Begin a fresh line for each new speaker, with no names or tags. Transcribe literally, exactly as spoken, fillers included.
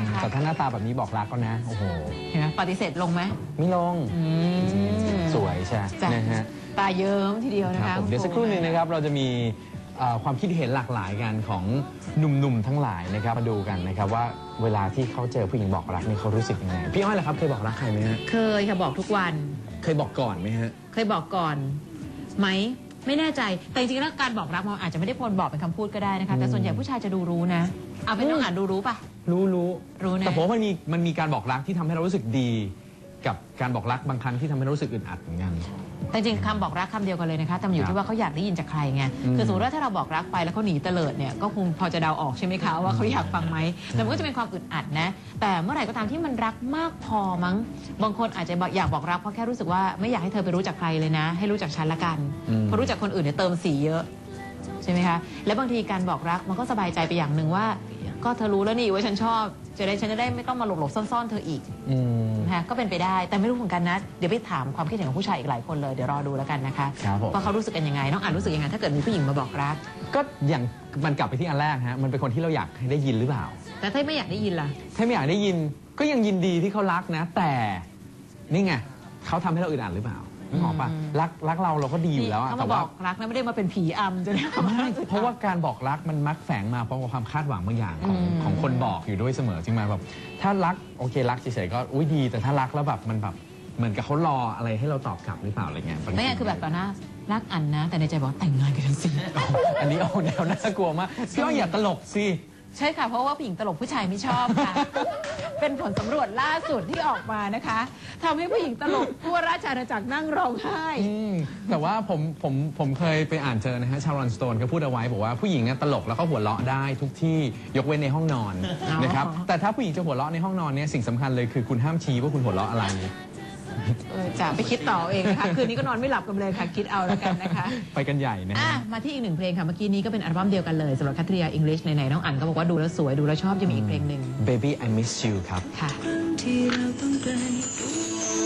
นะคะ
แต่ถ้าหน้าตาแบบนี้บอกรักก็นะโอ้โห
เห็นไหมปฏิเสธลงไหม
ไม่ลงสวยใช่นะฮะ
ตาเยิ้มทีเดียวนะคะ
เดี๋ยวสักครู่หนึ่งนะครับเราจะมีความคิดเห็นหลากหลายกันของหนุ่มๆทั้งหลายนะครับมาดูกันนะครับว่าเวลาที่เขาเจอผู้หญิงบอกรักนี่เขารู้สึกยังไงพี่อ้อยล่ะครับเคยบอกรักใครไหมฮะ
เคยค่ะบอกทุกวัน
เคยบอกก่อนไหมฮะ
เคยบอกก่อนไหมไม่แน่ใจแต่จริงๆแล้วการบอกรักมันอาจจะไม่ได้พลบอกเป็นคำพูดก็ได้นะคะแต่ส่วนใหญ่ผู้ชายจะดูรู้นะเอาเป็นน้องอ่านดูรู้ปะ
รู้รู้
รู้นะ
แต่ผมว่ามันมีมันมีการบอกรักที่ทำให้เรารู้สึกดีกับการบอกรักบางครั้งที่ทำให้เรารู้สึกอึดอัดเหมือนกัน
แต่จริงคำบอกรักคำเดียวกันเลยนะคะแต่อยู่ที่ว่าเขาอยากได้ยินจากใครไงคือสมมติว่าถ้าเราบอกรักไปแล้วเขาหนีเตลิดเนี่ยก็คงพอจะเดาออกใช่ไหมคะว่าเขาอยากฟังไหมแต่มันก็จะเป็นความอึดอัดนะแต่เมื่อไหร่ก็ตามที่มันรักมากพอมั้งบางคนอาจจะอยากบอกรักเพราะแค่รู้สึกว่าไม่อยากให้เธอไปรู้จักใครเลยนะให้รู้จักฉันละกันเพราะรู้จักคนอื่นเนี่ยเติมสีเยอะใช่ไหมคะและบางทีการบอกรักมันก็สบายใจไปอย่างหนึ่งว่าก็เธอรู้แล้วนี่ว่าฉันชอบจะได้ฉันจะได้ไม่ต้องมาหลบหลบซ่อนๆเธออีกนะคะก็เป็นไปได้แต่ไม่รู้เหมือนกันนะเดี๋ยวไปถามความคิดเห็นของผู้ชายอีกหลายคนเลยเดี๋ยวรอดูแล้วกันนะคะว่าเขารู้สึกกันยังไงน้องอ่านรู้สึกยังไงถ้าเกิดมีผู้หญิงมาบอกรัก
ก็อย่างมันกลับไปที่อันแรกฮะมันเป็นคนที่เราอยากให้ได้ยินหรือเปล่า
แต่ถ้าไม่อยากได้ยินล่ะ
ถ้าไม่อยากได้ยินก็ยังยินดีที่เขารักนะแต่นี่ไงเขาทำให้เราอึดอัดหรือเปล่านึกออกปะรักรักเราเราก็ดีอยู่แล้ว
แต่ว่าบอกรักนะไม่ได้มาเป็นผีอำจะได้
เพราะว่าการบอกรักมันมักแฝงมาเพราะความคาดหวังบางอย่างของของคนบอกอยู่ด้วยเสมอจริงไหมแบบถ้ารักโอเครักเฉยๆก็อุ้ยดีแต่ถ้ารักแล้วแบบมันแบบเหมือนกับเขารออะไรให้เราตอบกลับหรือเปล่าอะไรเงี้ย
ไม่ใช่คือแบบตอนหน้ารักอันนะแต่ในใจบอกแต่งงานกันสิ
อันนี้เอาแนวน่ากลัวมากพี่ว่าอย่าตลกสิ
ใช่ค่ะเพราะว่าผู้หญิงตลกผู้ชายไม่ชอบค่ะเป็นผลสำรวจล่าสุดที่ออกมานะคะทำให้ผู้หญิงตลกทั่วราชอาณาจักรนั่งร้องไห้
แต่ว่าผมผมผมเคยไปอ่านเจอนะฮะชารอนสโตนเขาพูดเอาไว้บอกว่าผู้หญิงตลกแล้วก็หัวเราะได้ทุกที่ยกเว้นในห้องนอนนะครับแต่ถ้าผู้หญิงจะหัวเราะในห้องนอนเนี่ยสิ่งสำคัญเลยคือคุณห้ามชี้ว่าคุณหัวเราะอะไร
จะไปคิดต่อเองนะคะคืนนี้ก็นอนไม่หลับกันเลยค่ะคิดเอาแล้วกันนะคะ
ไปกันใหญ่นะ
มาที่อีกหนึ่งเพลงค่ะเมื่อกี้นี้ก็เป็นอัลบั้มเดียวกันเลยสำหรับคัตริยาอังกฤษไหนๆน้องอั๋นก็บอกว่าดูแล้วสวยดูแล้วชอบจะมีอีกเพลงหนึ่ง
Baby I Miss You ครับ
ค่ะที่เราต้องไกล